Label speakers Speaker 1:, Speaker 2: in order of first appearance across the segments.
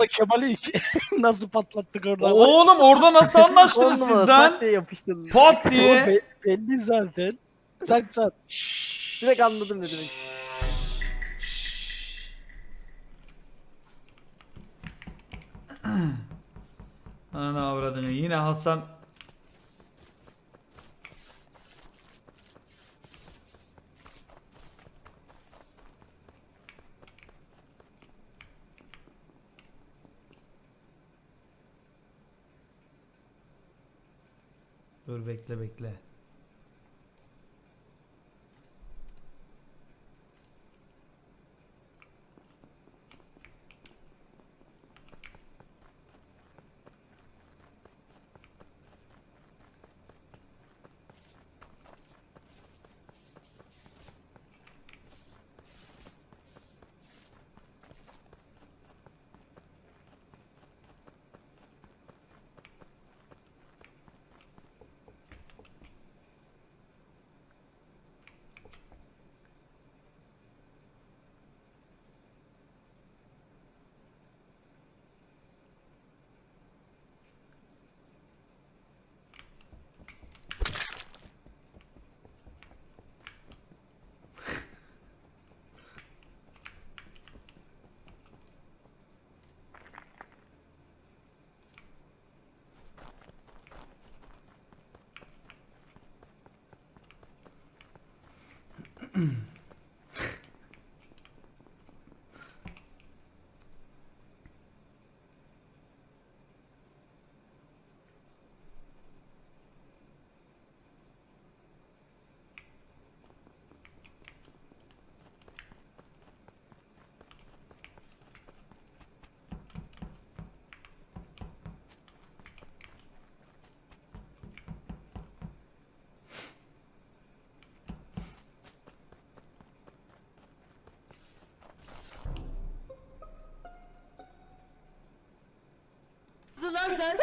Speaker 1: Kemal'i nasıl patlattık orada?
Speaker 2: Oğlum orada nasıl anlaştınız
Speaker 3: Oldu mu?
Speaker 2: sizden?
Speaker 3: Pat diye yapıştırdım.
Speaker 2: Pat
Speaker 1: O
Speaker 2: diye.
Speaker 1: belli zaten. Çat çat.
Speaker 3: Direkt anladım ne demek.
Speaker 2: Ana avradını yine Hasan. Dur bekle bekle.
Speaker 4: Lan sen.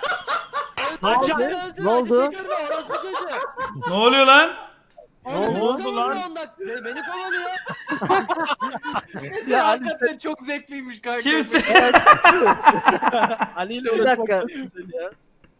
Speaker 3: Ne oldu?
Speaker 2: Ne oluyor lan?
Speaker 4: Ne
Speaker 1: oldu lan?
Speaker 4: Beni kovalıyor.
Speaker 1: Ya Ali,
Speaker 5: Hakikaten çok zevkliymiş kanka.
Speaker 2: Kimse.
Speaker 1: Ali ile
Speaker 3: Bir
Speaker 1: uğraşmak
Speaker 3: dakika.
Speaker 1: çok güzel ya.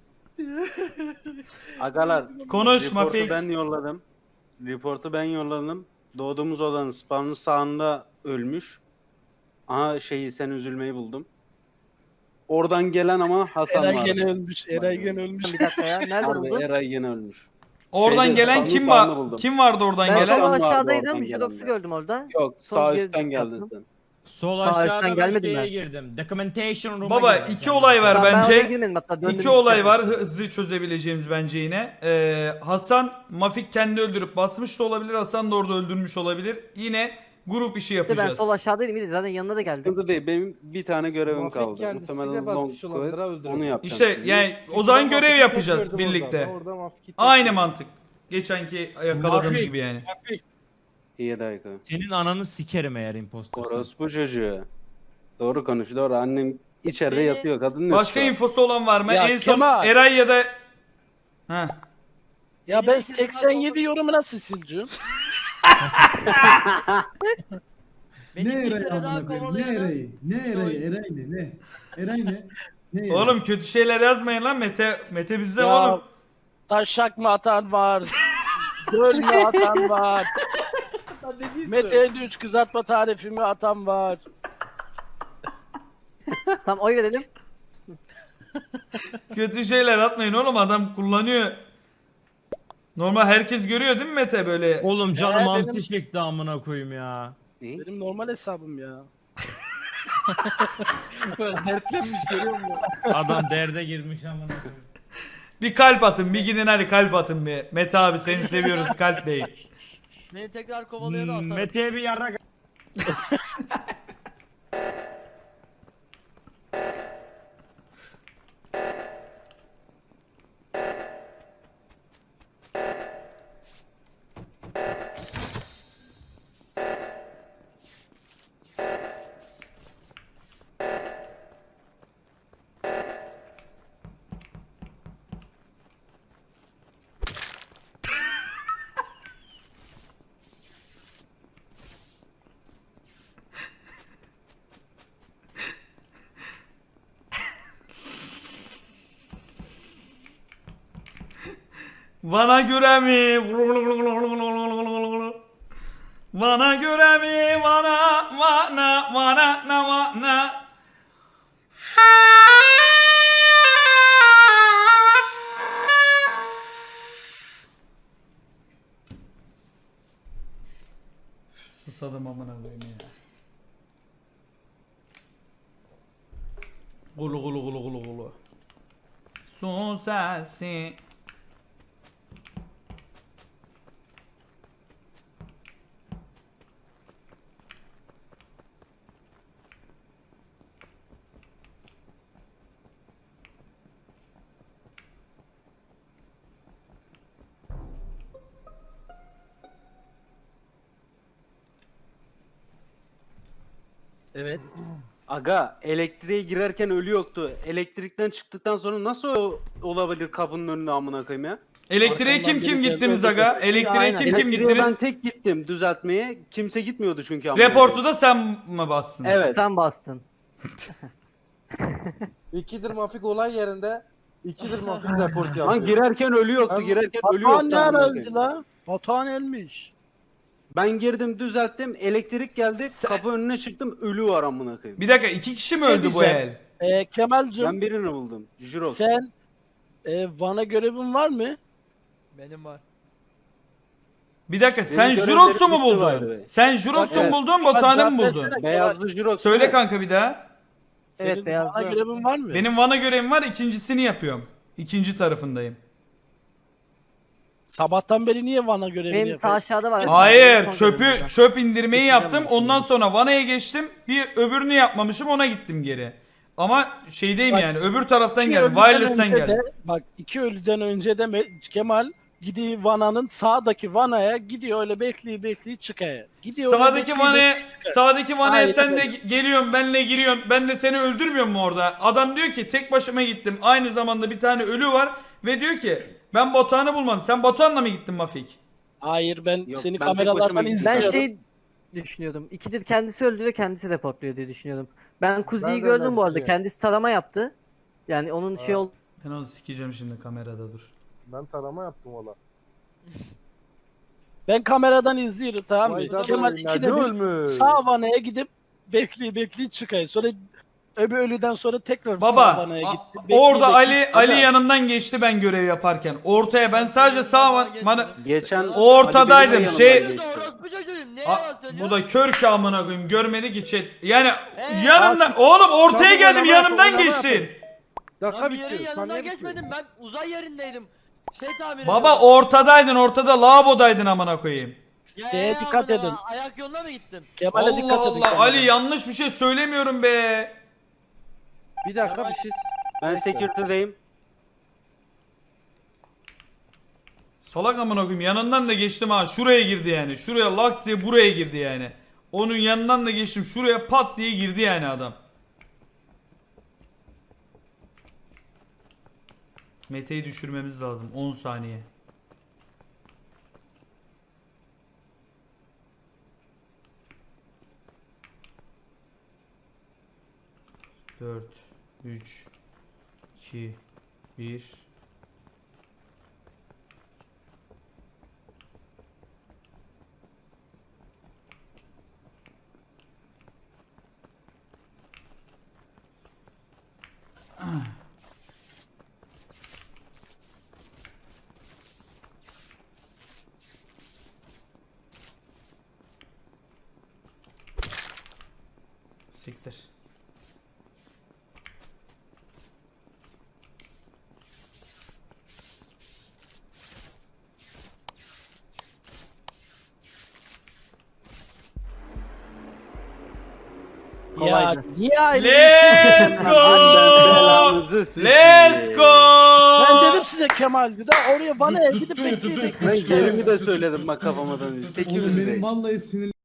Speaker 6: Agalar,
Speaker 2: Konuş
Speaker 6: reportu
Speaker 2: Mafik.
Speaker 6: ben yolladım. Reportu ben yolladım. Doğduğumuz odanın spawn'ın sağında ölmüş. Aha sen üzülmeyi buldum. Oradan gelen ama Hasan
Speaker 1: Eray
Speaker 6: var.
Speaker 1: gene ölmüş. Eray gene ölmüş.
Speaker 3: Bir dakika ya. Nerede
Speaker 6: Abi
Speaker 3: buldun?
Speaker 6: Eray gene ölmüş.
Speaker 2: Oradan
Speaker 6: Şeyde,
Speaker 2: gelen
Speaker 6: spawn'ın
Speaker 2: kim
Speaker 6: sağında
Speaker 2: var?
Speaker 6: buldum.
Speaker 2: Kim vardı oradan
Speaker 3: Ben
Speaker 2: gelen?
Speaker 3: sol
Speaker 6: Hasan vardı
Speaker 3: aşağıdaydım.
Speaker 6: oradan
Speaker 3: Jirox'u
Speaker 6: gelen.
Speaker 3: gördüm orada.
Speaker 6: Yok
Speaker 3: Sol
Speaker 6: sağ
Speaker 3: geri
Speaker 6: üstten geldin
Speaker 3: yaptım.
Speaker 6: sen.
Speaker 7: Sol
Speaker 3: Sağ
Speaker 7: aşağıda
Speaker 3: üstten
Speaker 7: ben
Speaker 3: gelmedim
Speaker 7: şeye
Speaker 3: ben.
Speaker 7: girdim. Documentation room'a
Speaker 2: Baba
Speaker 7: girdim.
Speaker 2: iki olay var
Speaker 3: Ben oraya
Speaker 2: bence.
Speaker 3: girmedim hatta. Döndüm
Speaker 2: İki olay
Speaker 3: gittim.
Speaker 2: var hızlı çözebileceğimiz bence yine. Hasan Mafik kendi öldürüp basmış da olabilir. Hasan da orada öldürmüş olabilir. Yine grup işi
Speaker 3: İşte ben
Speaker 2: yapacağız.
Speaker 3: sol aşağıdaydım. İyi de zaten yanına da geldim.
Speaker 6: Sıkıntı değil. Benim bir tane görevim
Speaker 5: Mafik
Speaker 6: kaldı.
Speaker 5: kendisiyle
Speaker 6: Muhtemelen long
Speaker 5: basmış olabilir,
Speaker 6: quest.
Speaker 5: ha, öldürebilir.
Speaker 6: Onu yapacağım.
Speaker 2: İşte
Speaker 6: şimdi.
Speaker 2: yani o zaman görev yapacağız birlikte. Aynı mantık. Geçenki yakaladığımız
Speaker 7: Mafik.
Speaker 2: gibi yani.
Speaker 6: İyi dakika.
Speaker 7: Senin ananı sikerim eğer impostorsun.
Speaker 6: Orospu çocuğu. Doğru konuş doğru. Annem içeride
Speaker 4: Beni-
Speaker 6: yatıyor. Kadın ne
Speaker 2: Başka
Speaker 6: istiyor?
Speaker 2: infosu olan var mı?
Speaker 1: Ya
Speaker 2: En son
Speaker 1: Kemal.
Speaker 2: Eray ya da... Heh.
Speaker 1: Ya ben 87 yorumu nasıl sileceğim?
Speaker 4: Beni
Speaker 8: Ne
Speaker 4: bir
Speaker 8: Eray
Speaker 4: kere daha
Speaker 8: amına koyayım? Ne
Speaker 4: kovalıyordu.
Speaker 8: Eray'ı? Ne Eray'ı? Eray ne? Ne? Eray ne? Ne Eray?
Speaker 2: Oğlum kötü şeyler yazmayın lan Mete bizde
Speaker 1: Ya
Speaker 2: oğlum.
Speaker 1: taşak mı atan var? Göl mü atan var? Mete 53 kızartma tarifi mi atan var?
Speaker 3: Tamam oy verelim.
Speaker 2: Kötü şeyler atmayın oğlum adam kullanıyor. Normal herkes görüyor değil mi Mete böyle?
Speaker 7: Oğlum canım
Speaker 1: benim-
Speaker 7: hamsi çekti amına koyayım ya.
Speaker 6: Ne?
Speaker 1: Benim normal hesabım ya.
Speaker 5: Dertlenmiş görüyor musun?
Speaker 7: Adam derde girmiş amına koyayım.
Speaker 2: Bir kalp atın bir gidin hadi kalp atın bir. Mete abi seni seviyoruz kalp değil.
Speaker 4: Beni tekrar kovalıyordu atarım.
Speaker 7: Mete'ye bir yarrak.
Speaker 2: Bana göre mi? Bana göre mi? Bana. Susadım amına koyayım ya. Gulu. Su sesi.
Speaker 1: Evet.
Speaker 6: Aga elektriğe girerken ölü yoktu. Elektrikten çıktıktan sonra nasıl olabilir kapının önüne amına koyayım ya?
Speaker 2: Elektriğe
Speaker 1: Arkamdan
Speaker 2: kim
Speaker 1: biri
Speaker 2: gittiniz
Speaker 1: geldi,
Speaker 2: aga?
Speaker 1: öldürdü.
Speaker 2: Elektriğe
Speaker 3: Aynen.
Speaker 2: kim
Speaker 6: Elektriğe ben
Speaker 2: gittiniz?
Speaker 6: tek gittim düzeltmeye. Kimse gitmiyordu çünkü amına
Speaker 2: Reportu
Speaker 6: koyayım.
Speaker 2: da sen mi bassın?
Speaker 6: Evet.
Speaker 3: Sen bastın.
Speaker 5: İkidir Mafik olay yerinde. İkidir Mafik report yaptı.
Speaker 6: Lan girerken ölü yoktu.
Speaker 5: Ben-
Speaker 6: Girerken ölü
Speaker 1: Batuhan
Speaker 6: yoktu.
Speaker 1: ne
Speaker 6: amına
Speaker 1: ara
Speaker 6: koyayım.
Speaker 1: öldü la? Batuhan ölmüş.
Speaker 6: Ben girdim düzelttim. Elektrik geldi. Kapı önüne çıktım. Ölü var amına koyayım.
Speaker 2: Bir dakika 2 kişi mi
Speaker 1: Şey
Speaker 2: öldü bu
Speaker 1: diyeceğim.
Speaker 2: el?
Speaker 1: Kemal'cim
Speaker 6: Ben birini buldum. Jirox.
Speaker 1: sen Van'a görevin var mı?
Speaker 4: Benim var.
Speaker 2: Bir dakika sen
Speaker 6: Benim
Speaker 2: Jurox'u mu
Speaker 6: görevlerim bitti by the
Speaker 2: buldun?
Speaker 6: way.
Speaker 2: Sen Jurox'u mu
Speaker 6: Evet.
Speaker 2: buldun, Batuhan'ı mı
Speaker 1: Cevap
Speaker 2: buldun?
Speaker 1: versene.
Speaker 6: Beyazlı Jirox.
Speaker 2: Söyle
Speaker 6: değil mi?
Speaker 2: kanka bir daha.
Speaker 1: Senin
Speaker 3: Evet, beyazlı.
Speaker 1: Van'a görevin var mı?
Speaker 2: Benim Van'a görevim var, ikincisini yapıyorum. İkinci tarafındayım.
Speaker 1: Sabahtan beri niye Van'a görevini
Speaker 3: Benim ta
Speaker 1: yapıyorsun?
Speaker 3: aşağıda var.
Speaker 2: Hayır,
Speaker 3: Son görevimde.
Speaker 2: çöp indirmeyi
Speaker 3: Bitireceğim
Speaker 2: yaptım.
Speaker 3: ben
Speaker 2: Ondan
Speaker 3: şimdi.
Speaker 2: sonra Vana'ya geçtim. Bir öbürünü yapmamışım, ona gittim geri. Ama şeydeyim
Speaker 1: Bak,
Speaker 2: yani, öbür taraftan
Speaker 1: İki
Speaker 2: geldim.
Speaker 1: ölüden
Speaker 2: Wireless'ten
Speaker 1: önce
Speaker 2: geldim.
Speaker 1: de- Bak 2 ölüden önce de Kemal gidiyor Vana'nın sağdaki Vana'ya gidiyor öyle bekliyor çıkıyor. Gidiyor öyle
Speaker 2: Sağdaki
Speaker 1: bekliyor,
Speaker 2: Vana'ya, sağdaki Vana'ya
Speaker 1: Aynen
Speaker 2: sen de
Speaker 1: öyle.
Speaker 2: geliyorsun, benle giriyorsun. Ben de seni öldürmüyorum mu orada? Adam diyor ki tek başıma gittim. Aynı zamanda bir tane ölü var ve diyor ki ben Batuhan'ı bulmadım. Sen Batuhan'la mı gittin Mafik?
Speaker 1: Hayır ben
Speaker 6: Yok,
Speaker 1: seni
Speaker 6: ben tek
Speaker 1: kameralardan
Speaker 6: başıma gittim.
Speaker 3: Ben
Speaker 1: izliyorum.
Speaker 3: şey düşünüyordum. İkidir kendisi öldürüyor, kendisi reportluyor diye düşünüyordum. Ben Kuzi'yi
Speaker 5: Ben de öyle
Speaker 3: gördüm bu arada.
Speaker 5: düşünüyorum.
Speaker 3: Kendisi tarama yaptı. Yani onun şey oldu.
Speaker 2: Ben onu sikeceğim şimdi kamerada dur.
Speaker 5: Ben tarama yaptım valla.
Speaker 1: Ben kameradan izliyorum tamam mı?
Speaker 5: Vay da
Speaker 1: Kemal
Speaker 5: böyle,
Speaker 1: ikide
Speaker 5: nerede
Speaker 1: bir
Speaker 5: ölmüş?
Speaker 1: sağ Vana'ya gidip bekliyor çıkıyor. Sonra öbür ölüden sonra tekrar sağ
Speaker 2: Baba
Speaker 1: Vana'ya
Speaker 2: a-
Speaker 1: gitti. bekliyor,
Speaker 2: orada
Speaker 1: bekliyor,
Speaker 2: Ali
Speaker 1: çıkıyor.
Speaker 2: yanımdan geçti ben görev yaparken. Ortaya ben sadece sağ Van'a
Speaker 6: Geçen
Speaker 2: ortadaydım,
Speaker 6: Ali benim de
Speaker 2: şey-
Speaker 6: yanımdan geçti.
Speaker 4: Orospu çocuğuyum. Ne
Speaker 2: A-
Speaker 4: yalan söylüyor?
Speaker 2: bu da kör ki amına koyayım görmedi ki chat. Yani
Speaker 4: Ee,
Speaker 2: yanımdan oğlum ortaya
Speaker 5: çabuk
Speaker 2: geldim
Speaker 5: oynama
Speaker 2: yanımdan
Speaker 5: yap, oynama
Speaker 2: geçtin.
Speaker 5: Dakika
Speaker 4: Lan bir yerin
Speaker 5: bitti.
Speaker 4: yanından
Speaker 5: saniye bitti.
Speaker 4: geçmedim. Ben uzay yerindeydim. Şey tamir
Speaker 2: Baba
Speaker 4: ediyordum.
Speaker 2: ortadaydın, ortada lavabodaydın amına koyayım.
Speaker 1: Şeye dikkat edin.
Speaker 4: Ayak yoluna mı gittim?
Speaker 1: Kemal'e
Speaker 2: Allah
Speaker 1: dikkat edin.
Speaker 2: Allah
Speaker 1: Kemal'e.
Speaker 2: Ali yanlış bir şey söylemiyorum be.
Speaker 5: Bir dakika bir şey.
Speaker 6: Ben
Speaker 5: Neyse.
Speaker 6: security'deyim.
Speaker 2: Salak amına koyayım yanından da geçtim ha, şuraya girdi yani. Şuraya laks diye buraya girdi yani. Onun yanından da geçtim, şuraya pat diye girdi yani adam. Mete'yi düşürmemiz lazım 10 saniye. Dört, 3, 2, 1. Siktir.
Speaker 1: Ya
Speaker 3: Kolaydı.
Speaker 1: niye ayrı?
Speaker 2: Let's go!
Speaker 6: Belanızı sikeyim.
Speaker 2: Let's go!
Speaker 1: Ben dedim size Kemal'di de oraya Vana'ya gidip
Speaker 8: Tuttu,
Speaker 1: bekliyor
Speaker 8: tuttu.
Speaker 6: Ben
Speaker 1: bekliyor.
Speaker 6: yerimi de söyledim bak kafama dönüyor.
Speaker 8: Oğlum benim
Speaker 6: 800'deyiz.
Speaker 8: vallahi sinirlerim